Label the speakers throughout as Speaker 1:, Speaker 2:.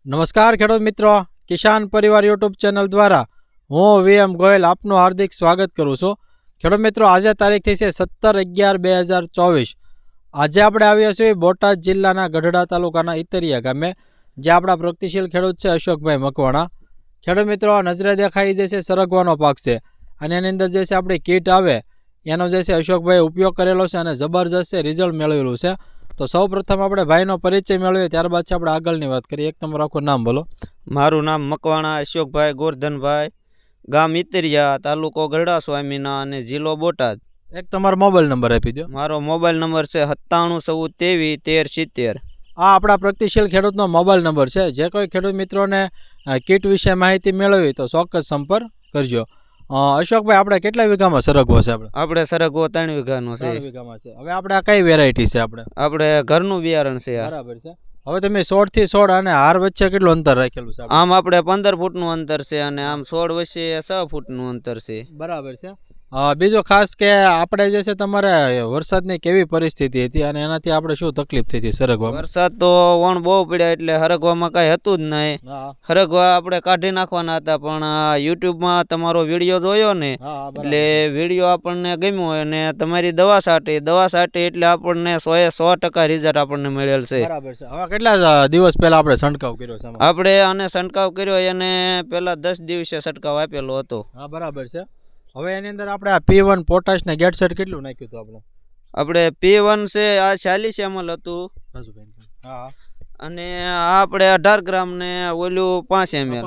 Speaker 1: નમસ્કાર ખેડૂત મિત્રો, કિસાન પરિવાર યુટ્યુબ ચેનલ દ્વારા હું VM ગોયલ આપનું હાર્દિક સ્વાગત કરું છું. ખેડૂત મિત્રો, આજે તારીખ થઈ છે 17/11/2024. આજે આપણે આવ્યા છીએ બોટાદ જિલ્લાના ગઢડા તાલુકાના ઇતરિયા ગામે, જે આપણા પ્રગતિશીલ ખેડૂત છે અશોકભાઈ મકવાણા. ખેડૂત મિત્રો, નજરે દેખાઈ જે છે સરગવાનો પાક છે, અને એની અંદર જે છે આપણી કીટ આવે એનો જે છે અશોકભાઈ ઉપયોગ કરેલો છે અને જબરજસ્ત રિઝલ્ટ મેળવેલું છે. તો સૌ પ્રથમ આપણે ભાઈનો પરિચય મેળવીએ, ત્યારબાદ છે આપણે આગળની વાત કરીએ. એક તમારું આખું નામ બોલો.
Speaker 2: મારું નામ મકવાણા અશોકભાઈ ગોરધનભાઈ, ગામ ઇતરિયા, તાલુકો ગઢડા સ્વામીના અને જિલ્લો બોટાદ.
Speaker 1: એક તમારો મોબાઈલ નંબર આપી દો.
Speaker 2: મારો મોબાઈલ નંબર છે 9714231370.
Speaker 1: આ આપણા પ્રગતિશીલ ખેડૂતનો મોબાઈલ નંબર છે. જે કોઈ ખેડૂત મિત્રોને કીટ વિશે માહિતી મેળવી તો ચોક્કસ સંપર્ક કરજો. અશોકભાઈ, આપણે કેટલા વીઘામાં સરગવો છે?
Speaker 2: આપણે સરગવો 3 વીઘાનો છે.
Speaker 1: 3 વીઘામાં છે. હવે આપણે આ કઈ વેરાયટી છે?
Speaker 2: આપણે ઘરનું બિયારણ છે.
Speaker 1: બરાબર છે. હવે તમે 16 થી 16 અને હાર વચ્ચે કેટલું અંતર રાખેલું છે?
Speaker 2: આમ આપણે 15 ફૂટનું અંતર છે અને આમ 16 વચ્ચે 6 ફૂટનું અંતર છે.
Speaker 1: બરાબર છે. બીજો ખાસ કે આપણે જે છે તમારે વરસાદની કેવી પરિસ્થિતિ હતી અને એનાથી આપણે શું તકલીફ થઈ હતી સરગવામાં?
Speaker 2: વરસાદ તો વણ બહુ પડ્યા એટલે હરગવામાં કાંઈ હતું જ નહીં. હરગવા આપણે કાઢી નાખવાના હતા, પણ યુટ્યુબમાં તમારો વિડીયો જોયો ને એટલે વિડીયો આપણને ગમ્યો અને તમારી દવા છાંટી એટલે આપણને 100% રિઝલ્ટ આપણને મળેલ છે.
Speaker 1: બરાબર છે. હવે કેટલા દિવસ પહેલા આપણે છંટકાવ કર્યો છે?
Speaker 2: આપણે આને છંટકાવ કર્યો એને પહેલા 10 દિવસે છંટકાવ આપેલો હતો.
Speaker 1: હા, બરાબર છે. હવે એની અંદર આપણે આ P1 પોટાશ ને ગેટસેટ કેટલું નાખ્યું હતું
Speaker 2: આપણે P1 છે આ 40 ml હતું.
Speaker 1: હા,
Speaker 2: અને આ આપણે 18 ગ્રામ ને ઓલું 5 ml.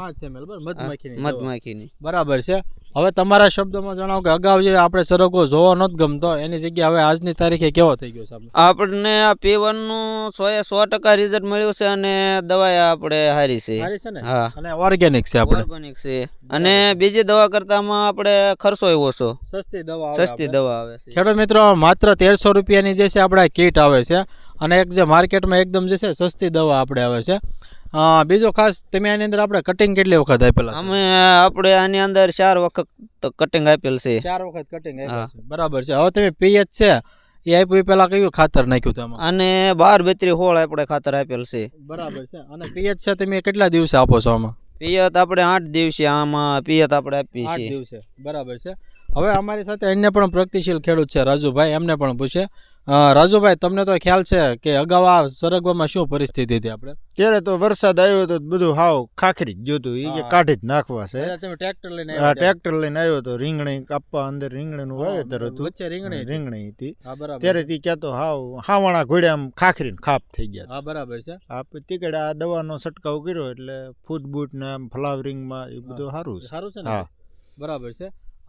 Speaker 2: મધમાખીની.
Speaker 1: બરાબર છે. હવે તમારા શબ્દોમાં જણાવો કે અગાઉ જે આપણે સરગવો જોવો નહોતો ગમતો, એની જગ્યાએ હવે આજની તારીખે કેવો થઈ ગયો છે?
Speaker 2: આપણને આ P1 નું 100% રિઝલ્ટ મળ્યું છે અને દવા આપણે સારી છે.
Speaker 1: હા, અને ઓર્ગેનિક છે.
Speaker 2: ઓર્ગેનિક છે અને બીજી દવા કરતામાં આપણે ખર્ચો ઓછો, સસ્તી દવા આવે છે.
Speaker 1: ખેડૂત મિત્રો, માત્ર 1300 રૂપિયાની જે છે આપણે કીટ આવે છે અને એક જે માર્કેટમાં એકદમ જે છે સસ્તી દવા આપણે આવે છે. બીજો ખાસ, તમે આની અંદર આપણે કટિંગ કેટલી વખત આપેલા?
Speaker 2: આપણે આની અંદર 4 વખત કટિંગ આપેલ છે.
Speaker 1: 4 વખત કટિંગ આપેલ છે. બરાબર છે. હવે તમે પીએચ છે એ આપ્યું, પેલા કયું ખાતર નાખ્યું તમે?
Speaker 2: અને 12-32 આપણે ખાતર આપેલ છે.
Speaker 1: બરાબર છે. અને પીએચ છે તમે કેટલા દિવસે આપો છો આમાં?
Speaker 2: પિયત આપણે 8 દિવસે આમાં પિયત આપણે આપીએ છીએ.
Speaker 1: 8 દિવસે. બરાબર છે. હવે અમારી સાથે અન્ય પણ પ્રગતિશીલ ખેડૂત છે રાજુભાઈ, એમને પણ પૂછે. રાજુભાઈ, તમને તો ખ્યાલ છે કે અગાઉ આ સરગવામાં શું પરિસ્થિતિ હતી? આપણે
Speaker 3: ત્યારે તો વરસાદ આવ્યો તો બધું હાવ ખાખરી જ જોતું, એ કાઢી જ નાખવા છે.
Speaker 1: તમે ટ્રેક્ટર લઈને
Speaker 3: આવ્યો તો રીંગણી કાપવા, અંદર રીંગણીનું વાવેતર હતું,
Speaker 1: વચ્ચે
Speaker 3: રીંગણી હતી. ત્યારે તી ક્યાં તો હાવાણા ઘોડ્યા આમ ખાખરીને ખાપ થઈ ગયા.
Speaker 1: હા, બરાબર છે.
Speaker 3: તીકડે આ દવાનો છંટકાવ કર્યો એટલે ફૂટ બૂટ ને આમ ફ્લાવરિંગમાં એ બધું સારું છે.
Speaker 1: હા, બરાબર છે.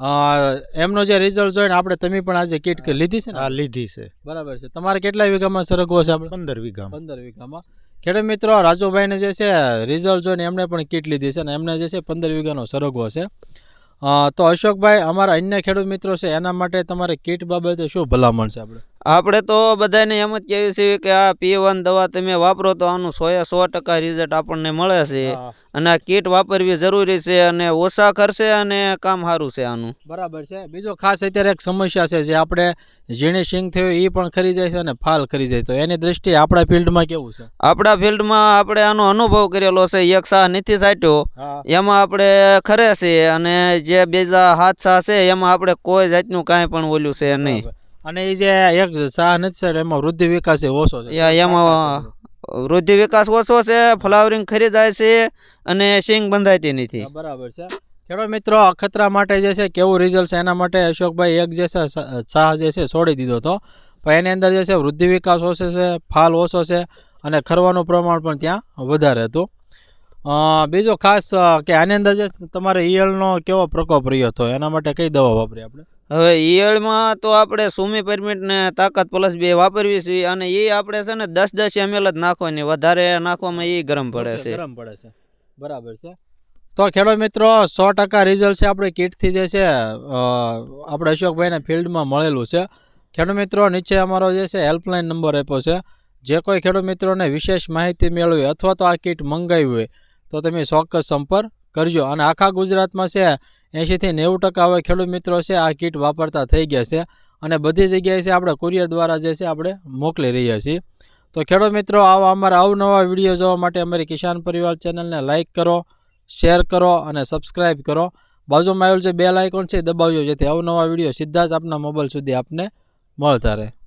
Speaker 1: એમનો જે રિઝલ્ટ જોઈને આપણે તમે પણ આજે કીટ લીધી છે ને?
Speaker 3: હા, લીધી છે.
Speaker 1: બરાબર છે. તમારે કેટલા વીઘામાં સરગવો છે? આપણે
Speaker 3: 15 વીઘામાં.
Speaker 1: 15 વીઘામાં. ખેડૂત મિત્રો, રાજુભાઈને જે છે રિઝલ્ટ જોઈને એમને પણ કીટ લીધી છે અને એમને જે છે 15 વીઘાનો સરગવો છે. તો અશોકભાઈ, અમારા અન્ય ખેડૂત મિત્રો છે એના માટે તમારે કીટ બાબતે શું ભલામણ છે?
Speaker 2: આપણે તો બધાને એમ જ કહેવું છે કે આ P1 દવા તમે વાપરો તો આનું 100% રિઝલ્ટ આપણને મળે છે અને આ કીટ વાપરવી જરૂરી છે અને ઓછા ખર્ચે અને કામ સારું છે આનું.
Speaker 1: બરાબર છે. બીજો ખાસ અત્યારે એક સમસ્યા છે, જે આપણે ઝીણી સિંગ થયો એ પણ ખરી જાય છે અને ફાલ ખરી જાય, તો એની દ્રષ્ટિએ આપણા ફિલ્ડમાં કેવું છે?
Speaker 2: આપણા ફિલ્ડમાં આપણે આનો અનુભવ કરેલો છે. એક સાહ નથી સાટ્યો, એમાં આપણે ખરે છે અને જે બીજા 7 સાહ છે એમાં આપણે કોઈ જાતનું કાંઈ પણ ઓલું છે નહીં.
Speaker 1: અને એ જે એક સાહ નથી એમાં વૃદ્ધિ વિકાસ ઓછો છે.
Speaker 2: એમાં વૃદ્ધિ વિકાસ ઓછો છે, ફ્લાવરિંગ ખરી જાય છે અને સિંગ બંધાતી નથી.
Speaker 1: બરાબર છે. ખેડૂત મિત્રો, અખતરા માટે જે છે કેવું રિઝલ્ટ છે એના માટે અશોકભાઈ એક જે છે સાહ જે છે છોડી દીધો હતો, પણ એની અંદર જે છે વૃદ્ધિ વિકાસ ઓછો છે, ફાલ ઓછો છે અને ખરવાનું પ્રમાણ પણ ત્યાં વધારે હતું. બીજો ખાસ કે આની અંદર જે તમારે ઈયળનો કેવો પ્રકોપ રહ્યો હતો, એના માટે કઈ દવા વાપરી આપણે?
Speaker 2: હવે ઈયળમાં તો આપણે સુમી પરમિટ ને તાકાત પ્લસ 2 વાપરવી છે અને એ આપણે છે ને 10-10 ml જ નાખવાની, વધારે નાખવામાં એ ગરમ પડે છે.
Speaker 1: બરાબર છે. તો ખેડૂત મિત્રો, 100% રિઝલ્ટ છે આપણે કીટથી જે છે આપણે અશોકભાઈને ફિલ્ડમાં મળેલું છે. ખેડૂત મિત્રો, નીચે અમારો જે છે હેલ્પલાઇન નંબર આપ્યો છે. જે કોઈ ખેડૂત મિત્રોને વિશેષ માહિતી મેળવી અથવા તો આ કીટ મંગાવી હોય તો તમે ચોક્કસ સંપર્ક કરજો. અને આખા ગુજરાતમાં છે 80 થી 90% હવે ખેડૂત મિત્રો છે આ કીટ વાપરતા થઈ ગયા છે અને બધી જગ્યાએ છે આપણે કુરિયર દ્વારા જે છે આપણે મોકલી રહ્યા છીએ. તો ખેડૂત મિત્રો આવા અમારા અવનવા વિડીયો જોવા માટે અમારી કિસાન પરિવાર ચેનલને લાઇક કરો, શેર કરો અને સબસ્ક્રાઈબ કરો. બાજુમાં આવેલું જે બેલ આઇકોન છે દબાવજો, જેથી અવનવા વિડીયો સીધા જ આપના મોબાઈલ સુધી આપને મળતા રહે.